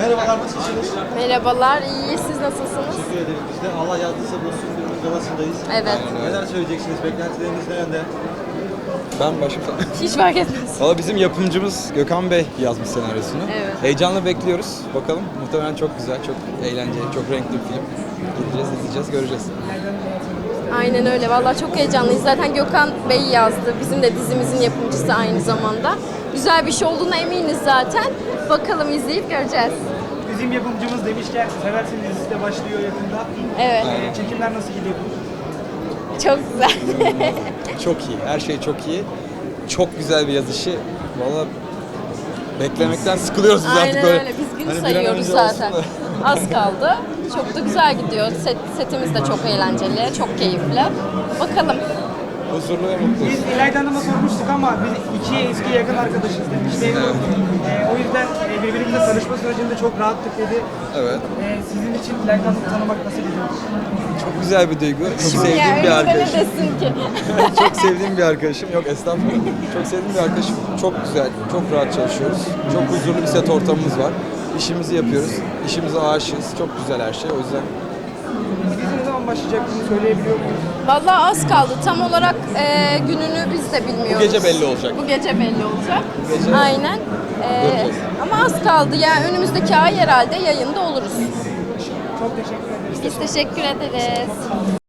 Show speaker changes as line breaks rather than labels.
Merhabalar, nasılsınız?
Merhabalar, iyi. Siz nasılsınız?
Teşekkür ederiz biz de. Allah yardımcısı bulsun filmin galasındayız.
Evet.
Neler söyleyeceksiniz? Beklentileriniz ne yönde?
Ben başım
Hiç fark etmez.
Valla bizim yapımcımız Gökhan Bey yazmış senaryosunu.
Evet.
Heyecanla bekliyoruz. Bakalım. Muhtemelen çok güzel, çok eğlenceli, çok renkli bir film. Gideceğiz, izleyeceğiz, göreceğiz.
Aynen öyle. Vallahi çok heyecanlıyız. Zaten Gökhan Bey yazdı. Bizim de dizimizin yapımcısı aynı zamanda. Güzel bir şey olduğuna eminiz zaten. Bakalım izleyip göreceğiz.
Bizim yapımcımız demişken Seversin dizisi de başlıyor yakında.
Evet.
Çekimler nasıl gidiyor?
Çok güzel.
Çok iyi, her şey çok iyi. Çok güzel bir yazışı. Valla beklemekten sıkılıyoruz biz artık
Aynen
böyle.
öyle. Biz gün
Hani bir an
sayıyoruz
önce
zaten.
olsun da.
Az kaldı. Çok da güzel gidiyor. Setimiz de çok eğlenceli, çok keyifli. Bakalım.
Huzurlu ve mutluyuz.
Biz İlayda Hanım'a sormuştuk ama biz iki eski yakın arkadaşız demişti. O yüzden birbirimizle tanışma sürecinde çok rahattık dedi.
Evet.
Sizin için İlayda Hanım'ı tanımak nasıl gidiyor?
Çok güzel bir duygu. Çok
Ya
sevdiğim bir
öyle
arkadaşım.
desin ki.
Çok sevdiğim bir arkadaşım. Yok estağfurullah. Çok sevdiğim bir arkadaşım. Çok güzel, çok rahat çalışıyoruz. Çok huzurlu bir set ortamımız var. İşimizi yapıyoruz. İşimize aşığız. Çok güzel her şey. O yüzden
Dizi ne zaman başlayacak bunu söyleyebiliyor muyuz?
Vallahi az kaldı. Tam olarak gününü biz de bilmiyoruz.
bu gece belli olacak.
Bu gece belli olacak.
Bu gece
Aynen.
göreceğiz.
Ama az kaldı. Yani önümüzdeki ay herhalde yayında oluruz.
Çok teşekkür ederiz.
Biz teşekkür ederiz.